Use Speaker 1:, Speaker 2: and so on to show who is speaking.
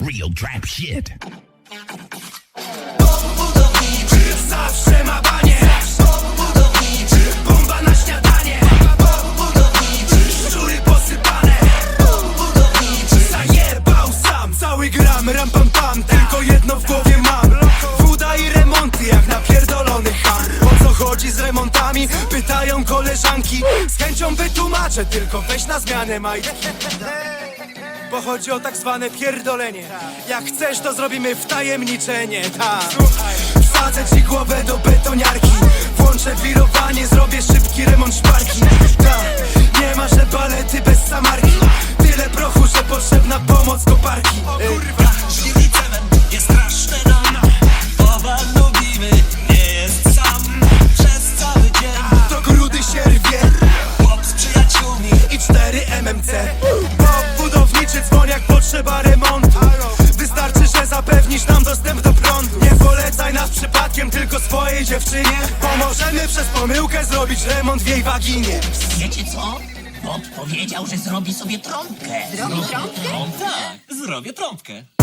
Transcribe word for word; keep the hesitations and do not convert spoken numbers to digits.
Speaker 1: real trap shit.
Speaker 2: Budowniczy zawsze ma banie. Budowniczy bomba na śniadanie. Budowniczy szczury posypane. Budowniczy zajebał sam. Cały gram, ram pam pam. Tylko jedno w głowie mam: woda i remonty jak napierdolony ham. O co chodzi z remontami? Pytają koleżanki. Z chęcią wytłumaczę, tylko weź na zmianę maj. Bo chodzi o tak zwane pierdolenie. Jak chcesz, to zrobimy wtajemniczenie. Tak. Wsadzę ci głowę do betoniarki. Włączę wirowanie, zrobię szybki remont szparki. Tak. Nie ma, że balety bez samarki. Tyle prochu, że potrzebna pomoc koparki.
Speaker 3: Kurwa, zimny cement jest straszny nam. Owad lubimy, nie jest sam. Przez cały dzień
Speaker 2: To grudy się rwie
Speaker 3: chłop z przyjaciółmi.
Speaker 2: i cztery M M C. Bo budowniczy dzwoń jak potrzeba remontu. Wystarczy, że zapewnisz nam dostęp do prądu. Nie polecaj nas przypadkiem, tylko swojej dziewczynie. Pomożemy przez pomyłkę zrobić remont w jej waginie.
Speaker 4: Wiecie co? Bob powiedział, że zrobi sobie trąbkę.
Speaker 5: Zrobi trąbkę?
Speaker 3: Tak, zrobię trąbkę.